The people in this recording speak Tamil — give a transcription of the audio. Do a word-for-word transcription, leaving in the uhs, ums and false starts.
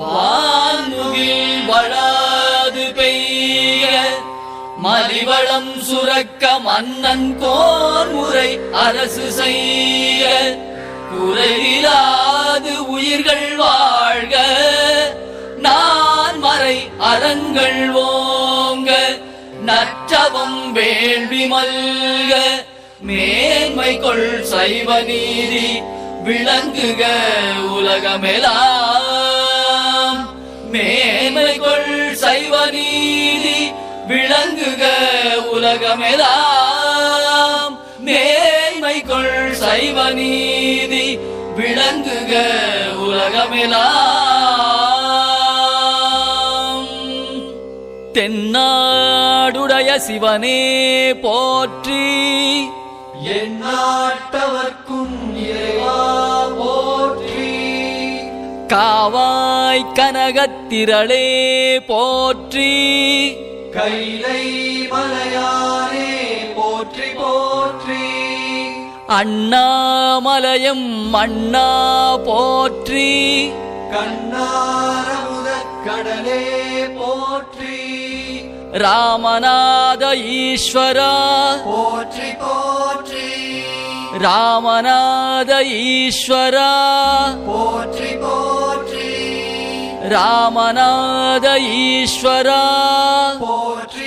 வான்முகில் வளாது பெய்ய மலிவளம் சுரக்க மன்னன் கோன்முறை அரசு செய்ய குறையிலாது உயிர்கள் வாழ்க நான் மறை அறங்கள் ஓங்க நற்றவம் வேள்வி மல்க மேன்மை கொள் சைவ நீதி விளங்குக உலகமெல்லாம் மேன்மை கொள் சைவ நீதி விளங்குக உலகமெல்லாம் மேன்மை கொள் சைவ நீதி விளங்குக உலகமெல்லாம். தென்னாடுடைய சிவனே போற்றி எந்நாட்டவர்க்கும் இறைவா போற்றி காவாய் கனகத்திரளே போற்றி கைலை மலையானே போற்றி போற்றி அண்ணாமலையம் அண்ணா போற்றி கண்ணாரமுதக் கடலே போற்றி ராமநாத ஈஸ்வரா போற்றி போற்றி ராமநாத ஈஸ்வரா போற்றி போற்றி ராமநாத ஈஸ்வரா போற்றி